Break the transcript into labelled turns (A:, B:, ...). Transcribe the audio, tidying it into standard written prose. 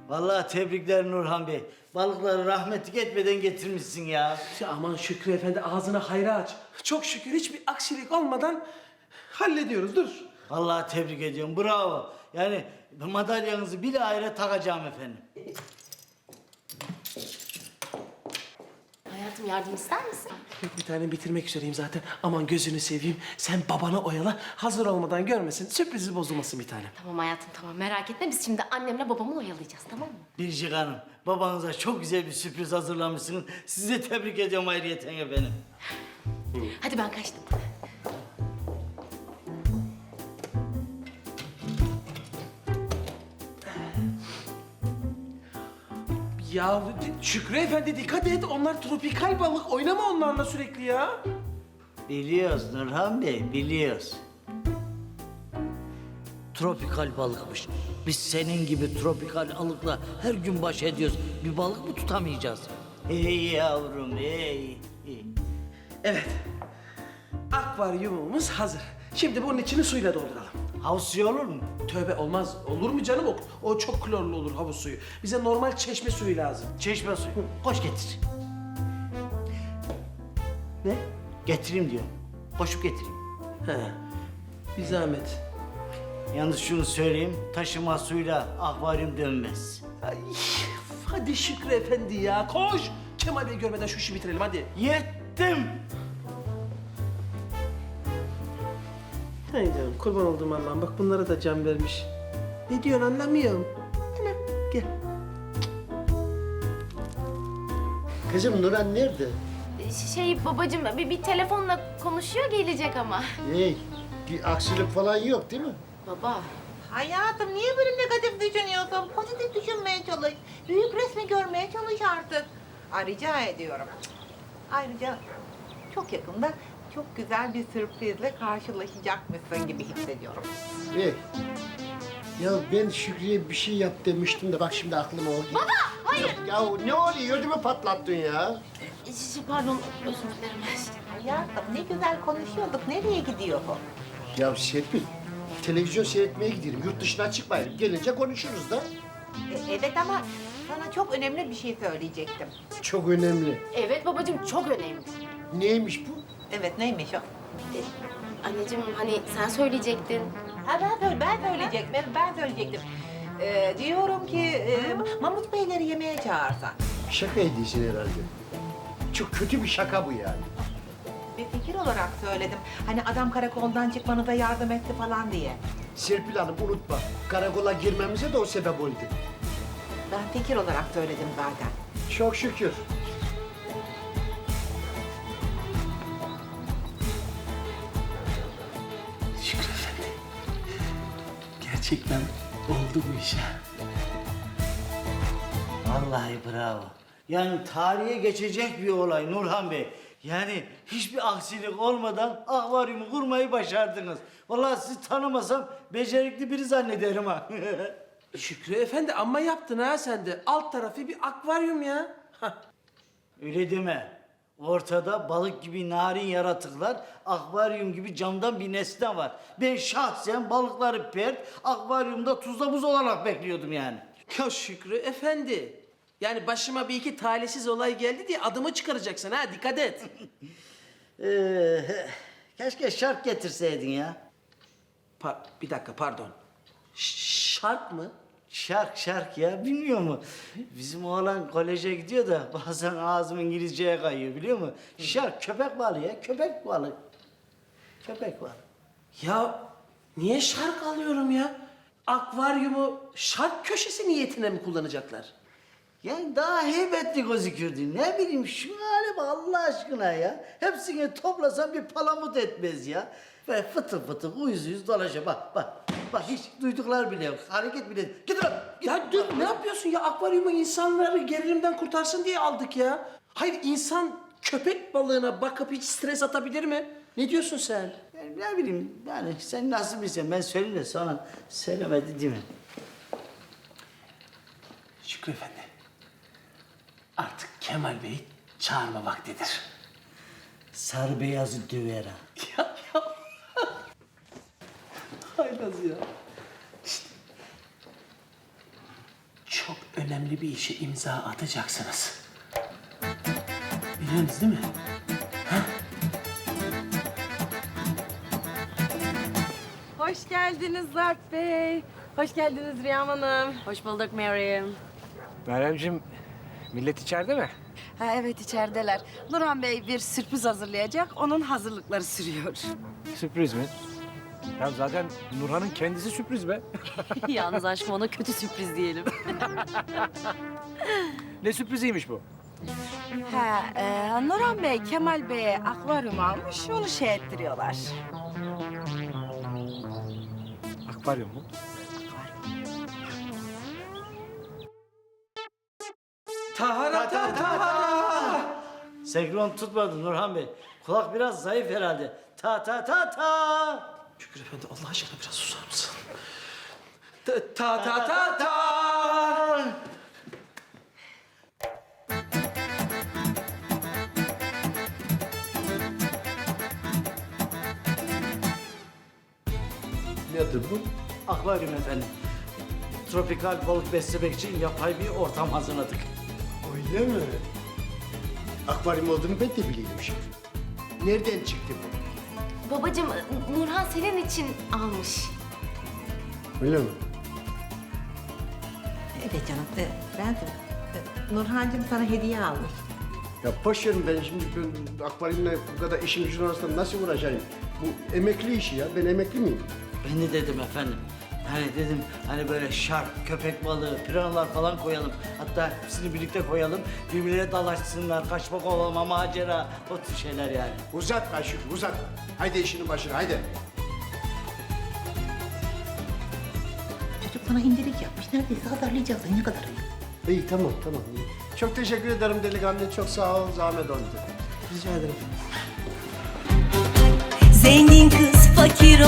A: Vallahi tebrikler Nurhan Bey. Balıkları rahmetlik etmeden getirmişsin ya.
B: Ya aman Şükrü Efendi ağzına hayra aç. Çok şükür hiçbir aksilik olmadan hallediyoruz. Dur.
A: Vallahi tebrik ediyorum. Bravo. Yani madalyanızı bir ayrı takacağım efendim.
C: Hayatım yardım ister misin?
B: Bir tane bitirmek üzereyim zaten. Aman gözünü seveyim. Sen babana oyala. Hazır olmadan görmesin. Sürprizi bozulmasın bir tane.
C: Tamam hayatım tamam merak etme biz şimdi annemle babamı oyalayacağız tamam mı?
A: Biricik Hanım, babanıza çok güzel bir sürpriz hazırlamışsınız. Sizi tebrik ediyorum ayrıyeten efendim.
C: Hadi ben kaçtım.
B: Ya Şükrü Efendi dikkat et. Onlar tropikal balık. Oynama onlarla sürekli ya.
A: Biliyoruz Nurhan Bey, biliyoruz. Tropikal balıkmış. Biz senin gibi tropikal balıkla her gün baş ediyoruz. Bir balık mı tutamayacağız? Hey yavrum, hey.
B: Evet. Akvaryumumuz hazır. Şimdi bunun içini suyla dolduralım.
A: Havuz suyu olur mu?
B: Tövbe olmaz. Olur mu canım? O çok klorlu olur havuz suyu. Bize normal çeşme suyu lazım.
A: Çeşme suyu. Koş getir.
B: Ne?
A: Getireyim diyorum. Koşup getireyim.
B: He. Bir zahmet.
A: Yalnız şunu söyleyeyim, taşıma suyla akvaryum dönmez.
B: Ay, hadi Şükrü Efendi ya. Koş. Kemal Bey görmeden şu işi bitirelim hadi.
A: Yettim.
B: Haydi oğlum, kurban olduğum Allah'ım. Bak bunlara da can vermiş. Ne diyorsun anlamıyorum. Hemen gel.
D: Kızım Nurhan nerede?
C: Şey babacığım bir telefonla konuşuyor gelecek ama.
D: Hey, bir aksilik falan yok değil mi?
C: Baba.
E: Hayatım niye böyle negatif düşünüyorsun? Pozitif düşünmeye çalış. Büyük resmi görmeye çalış artık. Rica ediyorum. Ayrıca çok yakında çok güzel bir sürprizle karşılaşacakmışsın gibi hissediyorum.
D: Hey, ya ben Şükrü'ye bir şey yap demiştim de bak şimdi aklıma o geldi. Baba, hayır. Ya ne oluyor? Ödümü patlattın ya.
C: Pardon özür dilerim.
E: Hayatım ne güzel konuşuyorduk. Nereye gidiyor bu?
D: Ya Serpil, televizyon seyretmeye gidelim. Yurt dışına çıkmayalım. Gelince konuşuruz da.
E: Evet ama sana çok önemli bir şey söyleyecektim.
D: Çok önemli.
C: Evet babacığım çok önemli.
D: Neymiş bu?
E: Evet neymiş o?
C: Anneciğim hani sen söyleyecektin.
E: Ha ben söyleyecektim. Ben söyleyecektim. Diyorum ki Mahmut Beyleri yemeğe çağırsan.
D: Şaka ediyorsun herhalde. Çok kötü bir şaka bu yani.
E: Bir fikir olarak söyledim. Hani adam karakoldan çıkmanıza yardım etti falan diye.
D: Serpil Hanım unutma, karakola girmemize de o sebep oldu.
E: Ben fikir olarak söyledim zaten.
D: Çok şükür.
B: Şükrü Efendi. Gerçekten oldu bu iş ha.
A: Vallahi bravo. Yani tarihe geçecek bir olay Nurhan Bey. Yani hiçbir aksilik olmadan akvaryumu kurmayı başardınız. Vallahi sizi tanımasam becerikli biri zannederim ha.
B: Şükrü Efendi amma yaptın ha sen de. Alt tarafı bir akvaryum ya. Hah.
A: Öyle deme. Ortada balık gibi narin yaratıklar, akvaryum gibi camdan bir nesne var. Ben şahsen balıkları pert, akvaryumda tuzla buz olarak bekliyordum yani.
B: Ya Şükrü Efendi. Yani başıma bir iki talihsiz olay geldi diye adımı çıkaracaksın ha dikkat et.
A: Keşke şark getirseydin ya.
B: Bir dakika pardon. Şark mı?
A: Şark ya, bilmiyor mu? Bizim oğlan koleje gidiyor da bazen ağzım İngilizceye kayıyor biliyor musun? Şark, köpek balığı ya, köpek balığı. Köpek balığı.
B: Ya niye şark alıyorum ya? Akvaryumu şark köşesi niyetine mi kullanacaklar?
A: Yani daha heybetli gözükürdü. Ne bileyim şu hale bak Allah aşkına ya. Hepsini toplasan bir palamut etmez ya. Ve fıtır fıtır uyuz uyuz dolaşıyor. Bak hiç duyduklar bile yok. Hareket bile. Git lan. Git.
B: Ya dur ne yapıyorsun ya? Akvaryumu insanları gerilimden kurtarsın diye aldık ya. Hayır insan köpek balığına bakıp hiç stres atabilir mi? Ne diyorsun sen?
A: Yani ne bileyim yani sen nasıl bilsen ben söyleyeyim de sonra söylemedi değil mi?
B: Şükrü Efendi. Artık Kemal Bey'i çağırma vaktidir.
A: Sarı beyazı döver ha.
B: Ya. Haylaz ya. Şşt. çok önemli bir işe imza atacaksınız. Biliyorsunuz değil mi?
F: Hoş geldiniz Zarp Bey. Hoş geldiniz Rüyam Hanım. Hoş bulduk Mary'im.
G: Meryemciğim, millet içeride mi?
F: Ha, evet içerideler. Nurhan Bey bir sürpriz hazırlayacak. Onun hazırlıkları sürüyor.
G: Sürpriz mi? Ya zaten Nurhan'ın kendisi sürpriz be.
F: Yalnız aşkım ona kötü sürpriz diyelim.
G: Ne sürpriziymiş bu?
F: Ha, Nurhan Bey Kemal Bey'e akvaryum almış. Onu şey ettiriyorlar.
G: Akvaryum mu?
A: Senkron tutmadı Nurhan Bey. Kulak biraz zayıf herhalde. Ta ta ta ta.
B: Şükrü Efendi Allah aşkına biraz susar mısın? Ta ta ta ta.
D: Nedir bu?
A: Akvaryum efendim. Tropikal balık beslemek için yapay bir ortam hazırladık.
D: Öyle mi? Akvaryum olduğunu ben de biliyordum şimdi. Nereden çıktı bu?
C: Babacığım Nurhan senin için almış.
D: Öyle mi?
E: Evet canım. Ben Nurhancığım sana hediye almış.
D: Ya boş verin ben şimdi akvaryumla bu kadar işin gücün arasında nasıl uğraşayım? Bu emekli işi ya. Ben emekli miyim?
A: Ben de dedim efendim. Hani dedim hani böyle şark, köpek balığı, piranalar falan koyalım. Hatta hepsini birlikte koyalım. Birbirine dalaşsınlar, kaçma kovalama, macera, o tür şeyler yani.
D: Uzat Ayşuk, uzat. Haydi işinin başına, haydi.
E: Çocuk sana indirik yapmış. Neredeyse hazırlayacaksın. Ne kadar iyi.
D: İyi tamam. İyi. Çok teşekkür ederim delikanlı. Çok sağ ol. Zahmet oldu.
B: Rica ederim.
H: Zengin kız fakir